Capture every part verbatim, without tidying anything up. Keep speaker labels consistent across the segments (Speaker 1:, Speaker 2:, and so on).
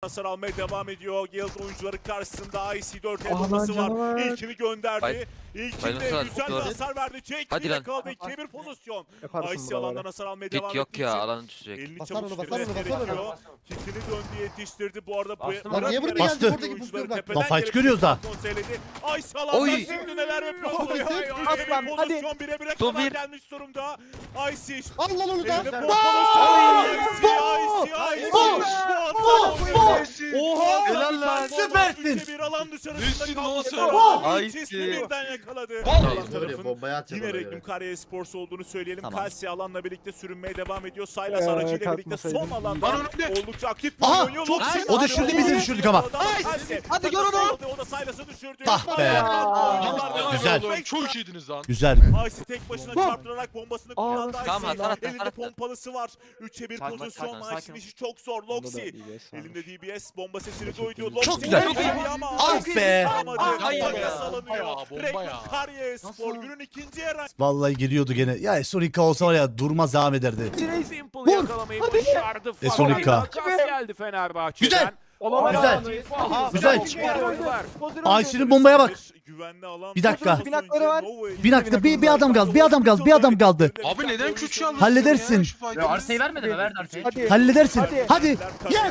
Speaker 1: Hasar almaya devam ediyor. Guild oyuncuları karşısında I C dört el bombası var. İlkini gönderdi.
Speaker 2: Bay-
Speaker 1: İlkinde
Speaker 2: Bay
Speaker 1: güzel bir
Speaker 2: Doğru.
Speaker 1: hasar verdi. Jake
Speaker 2: Hadi
Speaker 1: ile
Speaker 2: lan.
Speaker 1: kaldı. ikiye bir pozisyon.
Speaker 3: Yaparsın
Speaker 1: I C
Speaker 3: buraları.
Speaker 1: alandan hasar almaya devam
Speaker 2: Pik yok
Speaker 1: ettiği
Speaker 2: ya,
Speaker 1: için
Speaker 2: alanı düşecek.
Speaker 1: elini
Speaker 4: Basar
Speaker 1: çabuk
Speaker 4: onu, basar
Speaker 1: bitirmesi
Speaker 4: onu, basar onu.
Speaker 1: gerekiyor. Kitini döndü, yetiştirdi. Bu arada bu
Speaker 5: Bastım.
Speaker 4: Lan niye buraya
Speaker 1: Bastı.
Speaker 4: geldi? Buradaki
Speaker 1: Oyuncuları
Speaker 4: pozisyonu bak.
Speaker 1: tepeden
Speaker 6: Lan fight
Speaker 1: gelip
Speaker 6: görüyoruz da.
Speaker 1: konseyledi. I C alandan
Speaker 2: Oy.
Speaker 1: şimdi neler yapıyor?
Speaker 4: Oy.
Speaker 1: Oy, oy, oy.
Speaker 3: At lan,
Speaker 1: Bir
Speaker 3: hadi.
Speaker 1: pozisyon bire bire
Speaker 2: Son
Speaker 1: kadar
Speaker 2: bir.
Speaker 1: gelmiş durumda. I C
Speaker 4: Al lan onu da.
Speaker 1: elinde pompalı. I C, I C, I C.
Speaker 5: Oha!
Speaker 2: Helal lan.
Speaker 6: Süpersin.
Speaker 1: Bir alan dışarısında
Speaker 5: Nesin
Speaker 1: kaldı.
Speaker 5: lan sen?
Speaker 1: Ay,
Speaker 2: Ay,
Speaker 1: Cisli
Speaker 2: ki.
Speaker 1: birden yakaladı.
Speaker 5: Vallahi
Speaker 1: Alt tarafın
Speaker 4: Bombaya atacak
Speaker 1: yine
Speaker 4: ona
Speaker 1: Regnum
Speaker 4: göre.
Speaker 1: Karya Sports olduğunu söyleyelim.
Speaker 6: Tamam.
Speaker 1: Kalsi alanla birlikte sürünmeye devam ediyor.
Speaker 3: Ee,
Speaker 1: Saylas aracıyla birlikte son
Speaker 3: kalkmasaydım.
Speaker 1: alanda
Speaker 5: Lan önümde.
Speaker 1: oldukça aktif bir
Speaker 6: Aha,
Speaker 1: oynuyor.
Speaker 6: çok
Speaker 1: Loxi
Speaker 6: iyi. O düşürdü, biz de düşürdük ama.
Speaker 1: Kalsi,
Speaker 5: Hadi gör
Speaker 1: takası
Speaker 5: onu.
Speaker 1: aldı, O da Saylas'ı düşürdü.
Speaker 6: Ah be.
Speaker 1: Aa,
Speaker 6: Güzel.
Speaker 5: Oğlum, çok iyiydiniz lan.
Speaker 6: Güzel.
Speaker 1: Aysi tek başına çarptırarak bombasını kullandı.
Speaker 2: Tamam,
Speaker 1: Aysi
Speaker 2: atar, atar,
Speaker 1: elinde
Speaker 2: atar.
Speaker 1: pompalısı var. üçe bir
Speaker 2: Sakin,
Speaker 1: pozisyon.
Speaker 2: sakin,
Speaker 1: Aysi'nin
Speaker 2: sakin.
Speaker 1: işi çok zor. Loxi elinde D B S bomba sesini duydu.
Speaker 6: Çok
Speaker 1: Loxi
Speaker 6: güzel.
Speaker 1: çok iyi ama
Speaker 6: Ah
Speaker 1: Aysi
Speaker 6: be.
Speaker 1: tutamadı.
Speaker 5: Hayır
Speaker 1: Bomba
Speaker 5: ya.
Speaker 1: salınıyor.
Speaker 5: Bayağı, bomba
Speaker 1: Regnum
Speaker 5: ya.
Speaker 1: Karya Spor günün ikinci yarı.
Speaker 6: Vallahi geliyordu gene. Ya Esorika olsa var ya durmaz devam ederdi.
Speaker 7: Simple yakalamayı başardı.
Speaker 6: E, Sonika.
Speaker 7: Takas geldi Fenerbahçe'den.
Speaker 6: Güzel.
Speaker 3: Olamaz.
Speaker 6: Güzel.
Speaker 7: Aha,
Speaker 6: Güzel.
Speaker 7: oyuncular.
Speaker 6: Ayşe'nin bombaya bak.
Speaker 1: Güvenli alan.
Speaker 6: Bir dakika.
Speaker 3: Binakları var.
Speaker 6: Bir dakika bir, bir adam kaldı. Bir adam kaldı. Bir adam kaldı.
Speaker 5: Abi neden küçük yalnız?
Speaker 6: Halledersin.
Speaker 5: Ya
Speaker 8: Arsayı vermedi mi? Verdi Arsayı.
Speaker 3: Hadi.
Speaker 6: Halledersin.
Speaker 3: Hadi.
Speaker 6: Hadi. Yes.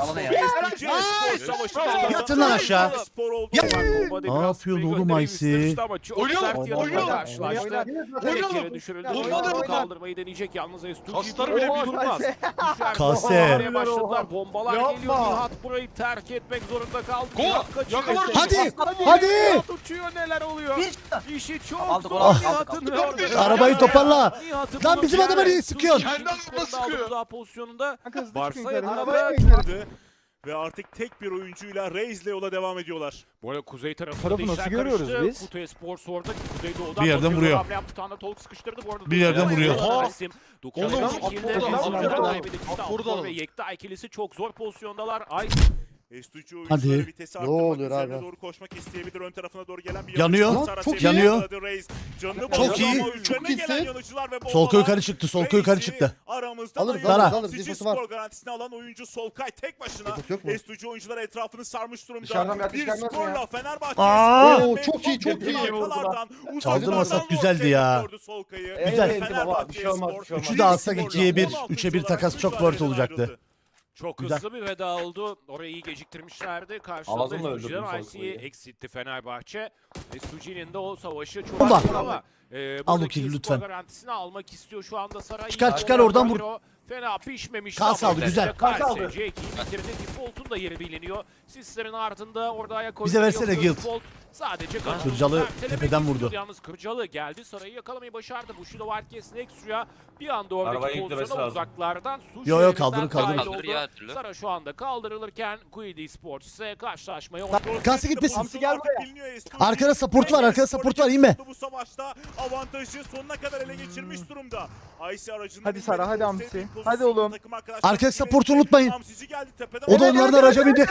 Speaker 1: Yes.
Speaker 6: Yatın lan aşağı. Ya-
Speaker 7: Bomba
Speaker 6: Ne yapıyorsun oğlum Aysi?
Speaker 5: Oynuyor,
Speaker 7: Sert yanında
Speaker 5: oynuyor.
Speaker 7: karşılaştı.
Speaker 3: Oynar.
Speaker 7: Tek yere düşürüldü.
Speaker 5: Olmadı.
Speaker 7: Oyuncu kaldırmayı deneyecek. Yalnız Estuji
Speaker 5: Kaslar bile bir
Speaker 7: durmaz. Düşer.
Speaker 6: Kase.
Speaker 7: Bombalamaya başladılar. Bombalar
Speaker 3: Yapma.
Speaker 7: geliyor. Nihat burayı terk etmek zorunda kaldı.
Speaker 5: Gol.
Speaker 7: Nihat kaçıyor.
Speaker 5: Yakalar.
Speaker 6: Hadi. Hadi.
Speaker 7: Nihat uçuyor, neler oluyor? İşi çok
Speaker 8: Aldık,
Speaker 7: zor
Speaker 8: aldık,
Speaker 7: Nihat'ın.
Speaker 5: aldık.
Speaker 7: orada.
Speaker 6: Arabayı toparla.
Speaker 7: Nihat'ın
Speaker 6: Lan
Speaker 7: bunu
Speaker 6: bizim adama niye
Speaker 7: diğer
Speaker 6: sıkıyorsun?
Speaker 7: Estuji
Speaker 5: Kendi
Speaker 7: skorunda
Speaker 5: adamına sıkıyor.
Speaker 7: aldığı daha pozisyonunda
Speaker 3: Kanka hızlı
Speaker 7: Varsa
Speaker 3: çıkın yukarı.
Speaker 7: yakında-
Speaker 3: Arabaya mı gidiyorsun?
Speaker 1: Ve artık tek bir oyuncuyla Reis'le yola devam ediyorlar.
Speaker 7: bu arada kuzey tarafında
Speaker 3: Tarafı
Speaker 7: da
Speaker 3: nasıl
Speaker 7: işler
Speaker 3: görüyoruz
Speaker 7: karıştı.
Speaker 3: biz?
Speaker 7: Kutay Spor orada kuzeydoğudan
Speaker 6: Bir yerden
Speaker 7: bakıyor.
Speaker 6: vuruyor.
Speaker 7: Hamle yaptı, tane Tolk sıkıştırdı bu arada.
Speaker 6: Bir yerden
Speaker 7: Dokuz
Speaker 6: vuruyor.
Speaker 7: numaralı
Speaker 5: Oha.
Speaker 7: isim.
Speaker 5: Oğlum,
Speaker 7: Dokuz numaralı
Speaker 5: Apor'da
Speaker 7: ikilde
Speaker 5: alalım,
Speaker 7: Apor'da
Speaker 5: Apor'da
Speaker 7: kaybedildi.
Speaker 5: alalım.
Speaker 7: Afor
Speaker 5: Apor'da
Speaker 7: ve Yekta ikilisi çok zor pozisyondalar. Ay
Speaker 1: Estucu
Speaker 6: Hadi.
Speaker 1: oyuncuları vitesi
Speaker 4: Ne
Speaker 1: arttırmak
Speaker 4: oluyor
Speaker 1: üzerine
Speaker 4: abi?
Speaker 1: doğru koşmak isteyebilir. Ön tarafına doğru gelen bir
Speaker 6: Yanıyor.
Speaker 1: yanıcı hasara
Speaker 6: Çok
Speaker 1: çevirdi.
Speaker 6: yanıyor.
Speaker 1: Yakaladı Reis. Canını
Speaker 6: Çok
Speaker 1: bozdu
Speaker 6: iyi.
Speaker 1: ama üzerine
Speaker 4: Çok
Speaker 1: gelen
Speaker 4: iyisin.
Speaker 1: yanıcılar ve
Speaker 6: Solkay
Speaker 1: bombalar
Speaker 6: yukarı çıktı. Solkay yukarı
Speaker 1: Reis'i
Speaker 6: çıktı.
Speaker 1: Aramızda
Speaker 4: Alırız,
Speaker 1: da
Speaker 6: alırız,
Speaker 4: alırız.
Speaker 1: Sicil
Speaker 4: Defosu var.
Speaker 1: skor garantisini alan oyuncu Solkay tek başına.
Speaker 4: Defosu yok mu?
Speaker 1: Estucu oyuncular etrafını sarmış durumda.
Speaker 8: Dışarıdan bir atış
Speaker 1: bir
Speaker 8: gelmez mi
Speaker 1: skorla
Speaker 8: ya?
Speaker 1: Fenerbahçe.
Speaker 6: Aa!
Speaker 1: Spor
Speaker 4: Oo,
Speaker 1: ve
Speaker 4: çok iyi, çok iyi.
Speaker 1: arkalardan uzaklardan
Speaker 6: Çaldırmasak
Speaker 1: Lord'e
Speaker 6: güzeldi ya.
Speaker 1: gördü Solkay'ı.
Speaker 6: Güzel.
Speaker 8: Evet, baba, bir şey olmaz, bir şey olmaz.
Speaker 6: Üçü de alsak
Speaker 1: skorla
Speaker 6: ikiye bir,
Speaker 1: on altıncı
Speaker 6: üçe bir
Speaker 1: olarak
Speaker 6: takas çok
Speaker 1: mücadeleden
Speaker 6: worth olacaktı.
Speaker 1: ayrıldı.
Speaker 7: çok
Speaker 6: Güzel.
Speaker 7: hızlı bir veda oldu. Orayı iyi geciktirmişlerdi. Karşılığında
Speaker 8: Ağzımla öldürdüm
Speaker 7: Estuji'den
Speaker 8: Solkay'ı.
Speaker 7: I C'yi eksitti Fenerbahçe. Estuji'nin de o savaşı çok
Speaker 6: Bomba.
Speaker 7: zor ama e,
Speaker 6: Al
Speaker 7: buradaki
Speaker 6: bakayım
Speaker 7: skor
Speaker 6: lütfen.
Speaker 7: garantisini almak istiyor şu anda Saray.
Speaker 6: Çıkar,
Speaker 7: İyi
Speaker 6: çıkar,
Speaker 7: bomba
Speaker 6: oradan vur.
Speaker 7: Cairo. Fena pişmemiş.
Speaker 6: Kas
Speaker 7: ama
Speaker 6: aldı, güzel.
Speaker 7: üzerinde
Speaker 8: Kas
Speaker 7: Kalse,
Speaker 8: aldı.
Speaker 7: Jake'i bitirdi. Default'un da yeri biliniyor. Sislerin ardında orada ayak
Speaker 6: Bize
Speaker 7: oyunu
Speaker 6: versene
Speaker 7: yok.
Speaker 6: Guild.
Speaker 7: Default sadece kanatını
Speaker 6: Kırcalı
Speaker 7: ertelemek
Speaker 6: tepeden
Speaker 7: istiyordu.
Speaker 6: vurdu.
Speaker 7: Yalnız Kırcalı geldi. Sarayı yakalamayı başardı. Bushido Wildcats Nexus'a bir anda oradaki
Speaker 8: Arabayı yüklemesi
Speaker 7: pozisyona
Speaker 8: lazım.
Speaker 7: uzaklardan su
Speaker 6: Yo, yo,
Speaker 7: şehrinden
Speaker 6: kaldırın, kaldırın.
Speaker 7: dahil
Speaker 2: Kaldır
Speaker 7: oldu.
Speaker 2: ya her türlü.
Speaker 7: Sara şu anda kaldırılırken Quiddy Sports ise karşılaşmaya
Speaker 6: Kalsı gitmesin.
Speaker 1: Hamsi
Speaker 3: gel buraya.
Speaker 6: Arkada support var, arkada support var, inme.
Speaker 1: Bu savaşta avantajı sonuna kadar ele geçirmiş durumda. Aysi aracını
Speaker 3: Hadi Sara, hadi Hamsi.
Speaker 1: sevdiği
Speaker 3: Hadi
Speaker 1: pozisyonda
Speaker 3: oğlum.
Speaker 1: takım arkadaşları
Speaker 6: Arkadaş
Speaker 1: gibi
Speaker 6: support'u unutmayın.
Speaker 1: Hamsici geldi tepeden.
Speaker 6: O da
Speaker 1: Evet,
Speaker 6: onlardan araca bindi.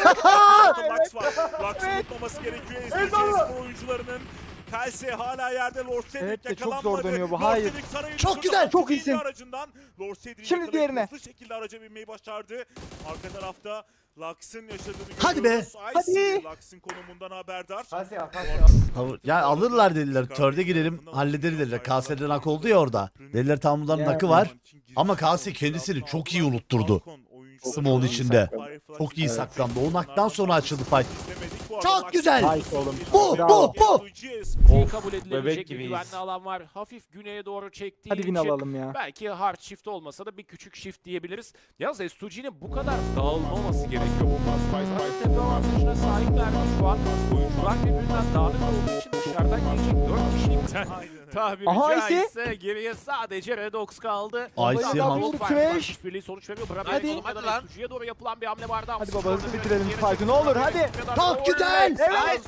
Speaker 1: Lux var. Lux'ın unutmaması gerekiyor. S D Spor oyuncularının. Kelsey hala yerde. Lord Cedric
Speaker 3: Evet de çok
Speaker 1: yakalanmadı.
Speaker 3: zor dönüyor bu,
Speaker 1: Lord
Speaker 3: hayır.
Speaker 1: Cedric Saray'ı
Speaker 6: Çok
Speaker 1: düşürdü.
Speaker 6: güzel,
Speaker 3: çok
Speaker 1: iyi
Speaker 3: iyisin.
Speaker 1: Aracından. Lord Cedric
Speaker 3: Şimdi
Speaker 1: yakalayıp
Speaker 3: diğerine.
Speaker 1: hızlı şekilde araca binmeyi başardı. Arka tarafta Lux'ın yaşadığını
Speaker 6: Hadi
Speaker 1: görüyoruz.
Speaker 6: be.
Speaker 1: Icy Lux'ın konumundan haberdar.
Speaker 8: Kalse ya, kalse ya.
Speaker 6: Ya alırlar dediler. Törde girelim hallederiz dediler. K S'den hak oldu ya orada. Dediler tam bunların nakı var. Ama K S kendisini çok iyi unutturdu. Smoke'un içinde. Çok iyi saklandı. O naktan sonra açıldı fight. Çok güzel.
Speaker 3: Nice oğlum.
Speaker 6: Bu,
Speaker 3: Bravo.
Speaker 6: bu, bu.
Speaker 7: iyi kabul edilebilecek
Speaker 8: bebek
Speaker 7: bir
Speaker 8: gibiyiz.
Speaker 7: güvenli alan var. Hafif güneye doğru çektiği
Speaker 3: Hadi win
Speaker 7: için
Speaker 3: alalım ya.
Speaker 7: belki hard shift olmasa da bir küçük shift diyebiliriz. Yalnız S iki G'nin bu kadar dağılmaması gerekiyor bu maç. Spice tepe avantajına sahipler şu an. Oyuncular birbirinden dağınık olduğu için dışarıdan gelecek dört kişilikten tabiri
Speaker 3: Aha,
Speaker 7: caizse geriye sadece Redox kaldı.
Speaker 6: Icy
Speaker 3: Adam
Speaker 6: ham.
Speaker 3: vurdu,
Speaker 7: Farklı
Speaker 3: Trash.
Speaker 7: işbirliği sonuç veriyor. Bravo.
Speaker 3: Hadi.
Speaker 7: Hadi. Hadi lan. S iki G'ye doğru yapılan bir hamle vardı.
Speaker 3: Hadi baba, hızlı bitirelim fight'ı, ne olur, hadi.
Speaker 6: Çok güzel.
Speaker 3: Evet.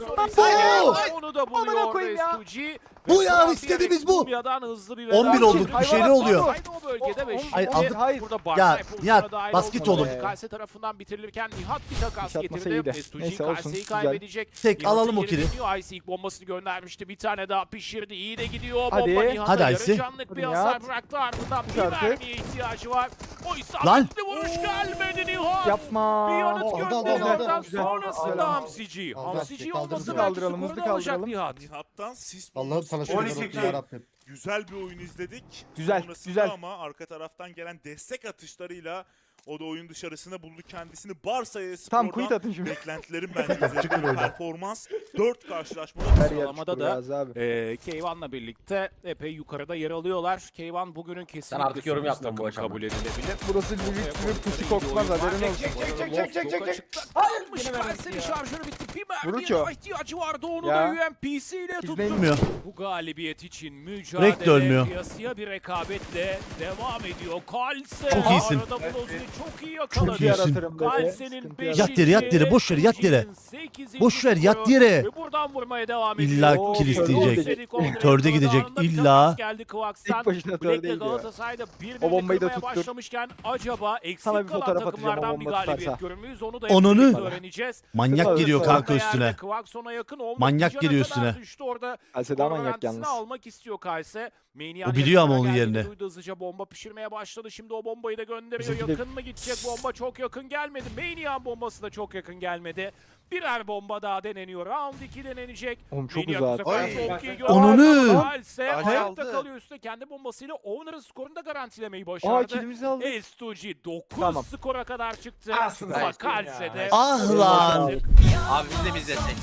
Speaker 6: Bu.
Speaker 7: Onu da
Speaker 3: Amına
Speaker 7: buluyor
Speaker 3: koyayım ya.
Speaker 7: S iki G.
Speaker 6: Bu ya, istediğimiz bu.
Speaker 7: Hızlı bir
Speaker 6: on bir
Speaker 7: veda.
Speaker 6: olduk, bir şeyler oluyor.
Speaker 7: Aynı o bölgede ve
Speaker 3: O-
Speaker 7: şimdi
Speaker 6: Hayır, aldık.
Speaker 3: Hayır.
Speaker 7: burada
Speaker 6: Ya,
Speaker 7: Barzay pozisyona
Speaker 6: Nihat,
Speaker 7: dahil
Speaker 6: basket
Speaker 7: olmadı.
Speaker 3: oğlum.
Speaker 7: Kalse tarafından bitirilirken Nihat bir takas
Speaker 3: İş atmasa
Speaker 7: getirdi.
Speaker 3: iyiydi.
Speaker 7: S iki G
Speaker 3: Neyse, olsun,
Speaker 7: Kalse'yi
Speaker 3: güzel.
Speaker 7: kaybedecek.
Speaker 6: Tek
Speaker 7: Nihat'ın
Speaker 6: alalım o
Speaker 7: yeri
Speaker 6: kili.
Speaker 7: dönüyor. Ice ilk bombasını gönderdi. vermişti. Bir tane daha pişirdi. İyi de gidiyor.
Speaker 3: Hadi.
Speaker 7: Bomba Nihat'a
Speaker 6: Hadi
Speaker 7: yarı
Speaker 6: Aysi.
Speaker 7: canlık bir
Speaker 3: Hadi
Speaker 7: hasar
Speaker 3: Nihat.
Speaker 7: bıraktı. Ardından bir
Speaker 3: Artık.
Speaker 7: mermiye ihtiyacı var. O
Speaker 6: Lan.
Speaker 7: isabetli vuruş gelmedi Nihat.
Speaker 3: Yapma.
Speaker 7: Bir yanıt
Speaker 2: Aldı, aldı, aldı,
Speaker 7: gönderilerden
Speaker 2: aldı.
Speaker 3: Güzel.
Speaker 7: sonrasında
Speaker 3: Güzel.
Speaker 7: Hamsici.
Speaker 2: Aldı,
Speaker 7: Hamsici
Speaker 2: kaldırın.
Speaker 7: olması
Speaker 2: Hızlı
Speaker 7: belki
Speaker 3: kaldıralım,
Speaker 7: skoru
Speaker 3: hızlı
Speaker 7: da alacak
Speaker 3: kaldıralım.
Speaker 7: Nihat.
Speaker 1: Nihat'tan sis
Speaker 2: Allah'ım sana şöyle
Speaker 8: on iki
Speaker 2: yarabbim
Speaker 8: kill.
Speaker 2: yarabbim.
Speaker 1: Güzel bir oyun izledik.
Speaker 3: Güzel,
Speaker 1: Sonrasında
Speaker 3: güzel.
Speaker 1: ama arka taraftan gelen destek atışlarıyla o da oyun dışarısında buldu kendisini. Barsa'ya
Speaker 3: Tam quit
Speaker 1: Spor'dan
Speaker 3: atın şimdi.
Speaker 1: beklentilerim bence üzerinde bir performans. dört karşılaşmada
Speaker 3: Her yer
Speaker 7: Sıralamada
Speaker 3: çukur
Speaker 7: da
Speaker 3: Yaz abi.
Speaker 7: Ee, Keyvan'la birlikte epey yukarıda yer alıyorlar. Keyvan bugünün kesinlikle
Speaker 8: artık yorum
Speaker 7: sürpriz
Speaker 8: yapmam bu
Speaker 7: takımı
Speaker 8: aşamada.
Speaker 7: kabul edilebilir.
Speaker 3: Burası büyük bir pusu kokmaz haberin olsun.
Speaker 8: Çek çek çek çek çek.
Speaker 7: Hayır,
Speaker 8: yine verdik
Speaker 7: Kalse'nin
Speaker 8: ya.
Speaker 7: şarjörü bitti. Bir
Speaker 3: Vuruç
Speaker 7: mermiye
Speaker 3: o.
Speaker 7: ihtiyacı vardı. Onu
Speaker 3: Ya.
Speaker 7: da U M P C ile tuttu.
Speaker 6: Bilmiyor.
Speaker 7: Bu galibiyet için
Speaker 6: Direkt de
Speaker 7: mücadele
Speaker 6: ölmüyor.
Speaker 7: kıyasıya bir rekabetle devam ediyor. Kalse
Speaker 6: Çok iyisin.
Speaker 7: arada Bloz'u çok iyi
Speaker 6: Çok
Speaker 7: yakaladı.
Speaker 6: iyisin.
Speaker 3: Yaratırım dedi.
Speaker 7: Kalse'nin
Speaker 3: Sıkıntı
Speaker 7: beşinci,
Speaker 3: yaratırım.
Speaker 6: Yat yere, yat yere, boş ver, yat yere.
Speaker 7: sekizinci
Speaker 6: Boş ver, yat
Speaker 7: skoru
Speaker 6: yere.
Speaker 7: Ve buradan vurmaya devam ediyor.
Speaker 6: İlla
Speaker 3: Oo,
Speaker 6: kill
Speaker 3: törde
Speaker 6: isteyecek.
Speaker 3: gidecek.
Speaker 6: Törde gidecek,
Speaker 7: Anında bir
Speaker 6: illa.
Speaker 7: temas geldi Kıvaksan.
Speaker 3: Tek başına
Speaker 7: Black'le
Speaker 3: tördeydi ya.
Speaker 7: Galatasaray'da bir
Speaker 3: O bombayı da
Speaker 7: kırmaya
Speaker 3: tuttur.
Speaker 7: başlamışken acaba eksik
Speaker 3: Sana bir
Speaker 7: kalan
Speaker 3: fotoğraf atacağım,
Speaker 7: takımlardan
Speaker 3: o
Speaker 7: bir
Speaker 3: bomba
Speaker 7: galibiyet
Speaker 3: tutarsa.
Speaker 7: görür müyüz? Onu da
Speaker 6: Onunu.
Speaker 7: hep birlikte öğreneceğiz.
Speaker 6: Manyak
Speaker 3: Tabii,
Speaker 6: geliyor
Speaker 3: tabii.
Speaker 6: kanka
Speaker 7: Orta
Speaker 6: üstüne.
Speaker 7: yerde Kıvakson'a yakın olmak
Speaker 6: Manyak
Speaker 7: üzere
Speaker 6: geliyor
Speaker 7: kadar
Speaker 6: üstüne.
Speaker 7: Düştü orada.
Speaker 3: Kalse daha
Speaker 7: Skor
Speaker 3: manyak
Speaker 7: garantisini
Speaker 3: yalnız.
Speaker 7: almak istiyor Kalse. Maniac'ın
Speaker 6: O biliyor ama
Speaker 7: yakınına
Speaker 6: onun
Speaker 7: geldiğini
Speaker 6: yerini.
Speaker 7: duydu, hızlıca bomba pişirmeye başladı. Şimdi o bombayı da gönderiyor.
Speaker 3: Bizimki de-
Speaker 7: Yakın mı gidecek bomba? Çok yakın gelmedi. Maniac'ın bombası da çok yakın gelmedi. Birer bomba daha deneniyor. Round iki denenecek.
Speaker 3: Oğlum çok
Speaker 7: Maniac bu
Speaker 3: uzak.
Speaker 7: sefer
Speaker 2: Ay.
Speaker 7: çok iyi gördü.
Speaker 6: Onunu.
Speaker 7: Kalse
Speaker 2: Ay,
Speaker 7: ayakta
Speaker 2: aldı.
Speaker 7: kalıyor üstte. Kendi bombasıyla Owner'ın skorunu da garantilemeyi
Speaker 3: Aa
Speaker 7: başardı.
Speaker 3: kilimizi aldık.
Speaker 7: S iki G dokuz
Speaker 3: Tamam.
Speaker 7: skora kadar çıktı.
Speaker 8: Aslında
Speaker 7: Ama
Speaker 8: işte ya.
Speaker 7: Kalse'de
Speaker 6: Ah lan.
Speaker 8: Abi biz de biz de tek.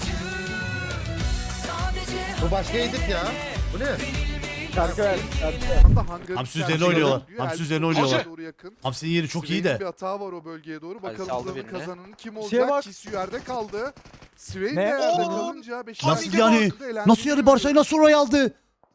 Speaker 2: Bu başka edit ya. Bu ne?
Speaker 3: Şarkı ver. Şarkı.
Speaker 6: Hamsi üzerine oynuyorlar. Hamsi üzerine oynuyorlar.
Speaker 4: Doğru yakın.
Speaker 6: Hamsi'nin yeri çok iyi
Speaker 4: Swain'in
Speaker 6: de.
Speaker 4: bir hata var o bölgeye doğru.
Speaker 8: Hadi
Speaker 4: Bakalım
Speaker 8: saldı
Speaker 4: buranın
Speaker 8: birini.
Speaker 4: kazananı kim
Speaker 3: Şeye
Speaker 4: olacak?
Speaker 3: bak.
Speaker 4: Kisyu yerde kaldı. Swain
Speaker 3: Ne?
Speaker 4: de yerde
Speaker 3: Oo.
Speaker 4: kalınca Beşiktaş
Speaker 6: Nasıl
Speaker 4: de
Speaker 6: yani?
Speaker 4: kaldı, elendi.
Speaker 6: Nasıl yani Barsa'yı nasıl oraya aldı?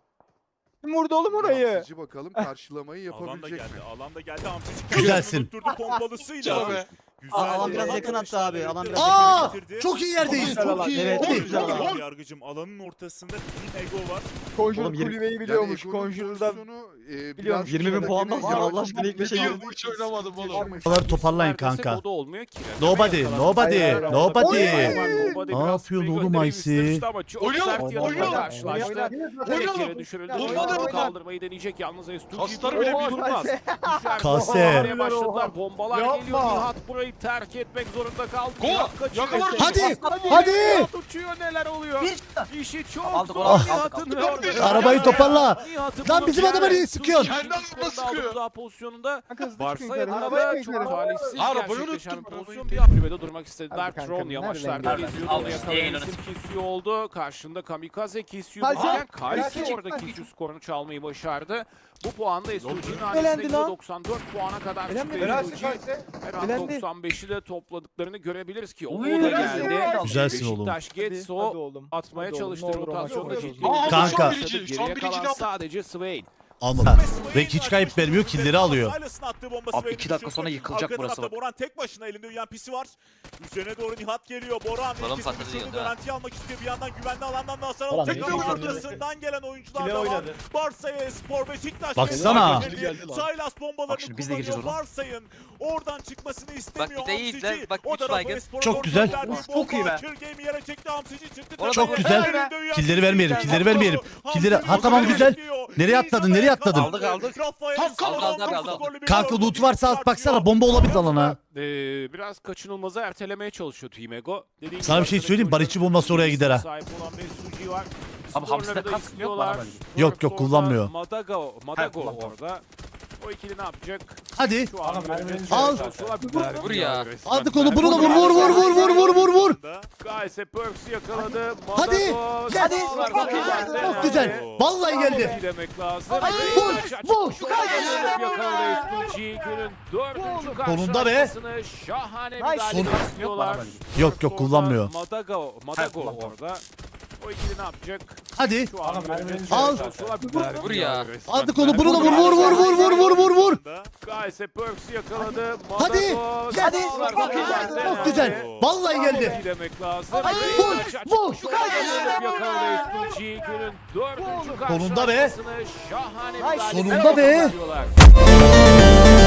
Speaker 3: Kim vurdu oğlum orayı?
Speaker 4: Hamsici bakalım karşılamayı
Speaker 1: Alanda
Speaker 4: yapabilecek
Speaker 1: geldi.
Speaker 4: mi?
Speaker 1: Alanda geldi. Hamsici
Speaker 6: Güzelsin.
Speaker 1: tutturdu pompalısıyla.
Speaker 5: Canım be.
Speaker 1: Güzel.
Speaker 2: Aa, alan
Speaker 1: bir
Speaker 2: biraz
Speaker 1: alan
Speaker 2: yakın attı
Speaker 1: atışları
Speaker 2: abi, alan
Speaker 1: bitirdi.
Speaker 2: biraz
Speaker 6: Aa!
Speaker 1: Bitirdi.
Speaker 6: Çok iyi yerdeyiz.
Speaker 3: Güzel alan,
Speaker 6: Çok iyi.
Speaker 3: evet,
Speaker 6: Hadi.
Speaker 3: güzel alan.
Speaker 1: Yargıcım alanın ortasında Team Ego var.
Speaker 3: Conjure
Speaker 2: Oğlum, yirmi-
Speaker 3: kulübeyi biliyormuş.
Speaker 4: Yani Ego'nun
Speaker 3: Conjure'da
Speaker 4: pozisyonu, e,
Speaker 3: biliyormuş.
Speaker 4: biraz
Speaker 2: yirmi bin puan da
Speaker 4: şöyle
Speaker 2: alacağım,
Speaker 4: gene-
Speaker 2: Allah aşkına ilk beşe
Speaker 4: Gene-
Speaker 5: girdim. Hiç oynamadım oğlum.
Speaker 6: Bunları toparlayın
Speaker 7: Neredeyse
Speaker 6: kanka.
Speaker 7: o da olmuyor ki.
Speaker 6: Nobody, nobody,
Speaker 3: Hayır, hayır.
Speaker 6: nobody.
Speaker 3: Oy!
Speaker 6: Ne yapıyorsun oğlum Aysi?
Speaker 5: Oynuyorlar, oynuyorlar.
Speaker 7: Karşılaştı. Direkt yere düşürüldü.
Speaker 5: Oynadı.
Speaker 7: Oynadı. Kaldırmayı deneyecek yalnız S iki G.
Speaker 5: Kasları bile
Speaker 7: durmaz.
Speaker 5: bir
Speaker 7: durmaz. Düşer.
Speaker 6: Kase.
Speaker 7: Bombalamaya başladılar. Bombalar
Speaker 3: Yapma.
Speaker 7: geliyor. Nihat burayı terk etmek zorunda kaldı.
Speaker 5: Go!
Speaker 7: Nihat kaçıyor.
Speaker 5: Yakalar.
Speaker 6: Hadi, hadi.
Speaker 7: Nihat uçuyor, neler oluyor? İşi çok
Speaker 8: Aldık,
Speaker 7: zor
Speaker 8: aldık,
Speaker 7: Nihat'ın.
Speaker 5: aldık, aldık.
Speaker 7: orada.
Speaker 6: Arabayı toparla.
Speaker 7: Nihat'ın
Speaker 6: Lan
Speaker 7: bunu
Speaker 6: bizim
Speaker 7: bir
Speaker 6: adama
Speaker 7: yere
Speaker 6: niye sıkıyorsun?
Speaker 7: Suzuki
Speaker 5: Kendi adamına
Speaker 7: skorunu aldı
Speaker 5: sıkıyor.
Speaker 7: daha pozisyonunda.
Speaker 3: Kanka hızlı
Speaker 7: Varsa
Speaker 3: çıkın yukarı.
Speaker 7: yanında
Speaker 3: Arabaya
Speaker 7: çok
Speaker 3: yukarı.
Speaker 7: talihsiz
Speaker 5: Arabayı
Speaker 7: gerçekleşen
Speaker 5: unuttum,
Speaker 7: bir pozisyon.
Speaker 5: arabayı.
Speaker 7: Bir kulübede durmak istediler.
Speaker 3: Hadi kanka,
Speaker 7: Tron
Speaker 3: nereden
Speaker 7: yavaşlarda
Speaker 3: geldin?
Speaker 7: geziyordu.
Speaker 8: Al
Speaker 7: Onu
Speaker 8: işte,
Speaker 7: yakalayan
Speaker 8: yayın
Speaker 7: isim Kisyu oldu. Karşında Kamikaze Kisyu
Speaker 3: Kalse.
Speaker 7: varken Kalsi
Speaker 3: Kalse.
Speaker 7: orada Kisyu skorunu çalmayı başardı. Bu puanda S iki G'nin
Speaker 3: Elendi
Speaker 7: hanesinde
Speaker 3: lan.
Speaker 7: doksan dört puana kadar çıktı.
Speaker 3: Elenmedi.
Speaker 7: S iki G. Her an
Speaker 3: Elendi.
Speaker 7: doksan beşi de topladıklarını görebiliriz ki. O
Speaker 8: Uy,
Speaker 7: da
Speaker 3: Elendi.
Speaker 7: geldi.
Speaker 6: Güzelsin oğlum.
Speaker 7: Beşiktaş
Speaker 3: Hadi,
Speaker 7: Getso
Speaker 3: hadi oğlum.
Speaker 7: atmaya
Speaker 3: Hadi oğlum,
Speaker 7: çalıştı
Speaker 3: ne olur ama
Speaker 7: rotasyonda
Speaker 3: çok
Speaker 7: ciddi.
Speaker 5: Aa,
Speaker 7: bir
Speaker 6: Kanka.
Speaker 5: şu an birinci, şu
Speaker 7: Geriye
Speaker 5: an birinci
Speaker 7: kalan
Speaker 5: ne yaptı?
Speaker 7: sadece Swain.
Speaker 6: Almadı. Ve hiç kayıp vermiyor, killleri alıyor.
Speaker 8: Abi iki dakika sonra yıkılacak
Speaker 1: Arka
Speaker 8: burası
Speaker 1: tarafta
Speaker 8: bak.
Speaker 1: Boran tek başına elinde U M P'si var. Üzerine doğru Nihat geliyor. Boran
Speaker 8: Balon
Speaker 1: ikisini
Speaker 8: patladı
Speaker 1: düşürdü.
Speaker 8: yanında.
Speaker 1: Garanti almak istiyor. Bir yandan güvenli alandan da hasar
Speaker 2: Boran
Speaker 1: alacak
Speaker 2: iyi
Speaker 1: ama
Speaker 2: oynadı.
Speaker 1: arkasından gelen oyuncular
Speaker 2: Kile
Speaker 1: da var.
Speaker 2: oynadı.
Speaker 1: Barsa'ya Spor Beşiktaş.
Speaker 6: Baksana.
Speaker 1: Saylas bombalarını
Speaker 8: Bak şimdi biz de gireceğiz
Speaker 1: kullanıyor.
Speaker 8: ona.
Speaker 1: Varsayın oradan çıkmasını istemiyor.
Speaker 8: bir de iyi izle.
Speaker 1: Hamsici.
Speaker 8: Bak,
Speaker 1: O
Speaker 8: üç
Speaker 1: tarafa
Speaker 8: baygın.
Speaker 1: Espor'a
Speaker 6: Çok
Speaker 1: doğru
Speaker 6: güzel.
Speaker 1: gönderdiği
Speaker 8: Çok iyi
Speaker 1: bomba
Speaker 8: be.
Speaker 1: Kürge'yi yere çekti. Hamsici çıktı.
Speaker 8: Orada
Speaker 6: Çok
Speaker 8: iyi.
Speaker 6: güzel.
Speaker 1: Elinde U M P'si
Speaker 6: Killeri vermeyelim, killeri
Speaker 1: var.
Speaker 6: vermeyelim. Killeri-
Speaker 1: Hamsici
Speaker 6: Ha, tamam, güzel.
Speaker 1: gidiyor.
Speaker 6: Nereye atladın, nereye atladın?
Speaker 8: Aldık, aldık.
Speaker 1: Rafael
Speaker 5: Kalk, kalk,
Speaker 1: Salomon
Speaker 8: aldı, aldı, aldı.
Speaker 1: golü bir
Speaker 6: Kanka
Speaker 1: gol.
Speaker 6: loot varsa at baksana, bomba olabilir alana.
Speaker 7: Ee, biraz kaçınılmazı ertelemeye çalışıyor Team Ego. Dediğim
Speaker 6: Sana
Speaker 7: gibi
Speaker 6: bir şey
Speaker 7: arkadaki
Speaker 6: söyleyeyim, Barışçı bombası oraya gider ha.
Speaker 7: Sahip olan bir Suji var.
Speaker 8: Abi Hamsi'de
Speaker 7: Skorları da
Speaker 8: kask yok
Speaker 7: istiyorlar.
Speaker 8: bana
Speaker 6: Yok, yok,
Speaker 7: Orada
Speaker 6: kullanmıyor.
Speaker 7: Madago, Madago
Speaker 8: Ha, kullanmıyor.
Speaker 7: orada. O ikili ne yapacak?
Speaker 6: Hadi.
Speaker 7: Şu an
Speaker 6: Al.
Speaker 8: Vur ya.
Speaker 6: Aldık onu, bunu da vur, vur, vur, vur, vur, vur, vur, vur.
Speaker 7: Gayse Perks yakaladı.
Speaker 6: Hadi.
Speaker 7: Madago.
Speaker 6: Hadi.
Speaker 7: Çok
Speaker 6: Çok
Speaker 7: güzel.
Speaker 6: Çok güzel. Vallahi geldi.
Speaker 7: Demek lazım.
Speaker 6: Vur, vur.
Speaker 7: Şu kadar yakaladı S iki G. Günün dördüncü
Speaker 6: Sonunda be.
Speaker 7: karşılaşmasını şahane bir
Speaker 3: Nice.
Speaker 7: galibiyet istiyorlar.
Speaker 6: Yok, yok, kullanmıyor.
Speaker 7: Madago, Madago orada. O ikili ne yapacak?
Speaker 6: Hadi.
Speaker 7: Şu an
Speaker 6: Al.
Speaker 8: Vur ya.
Speaker 6: Aldık onu, bunu da vur, vur, vur, vur, vur, vur, vur, vur.
Speaker 7: Gayse Perks yakaladı.
Speaker 6: Hadi.
Speaker 7: Madago.
Speaker 6: Hadi.
Speaker 7: Çok
Speaker 6: Çok güzel. Vallahi geldi.
Speaker 7: Demek lazım.
Speaker 6: Vur, vur.
Speaker 7: Şu an yakaladı S iki G. Günün dördüncü
Speaker 6: Sonunda be.
Speaker 7: karşılaşmasını şahane bir galibiyet
Speaker 6: Sonunda be.
Speaker 7: istiyorlar.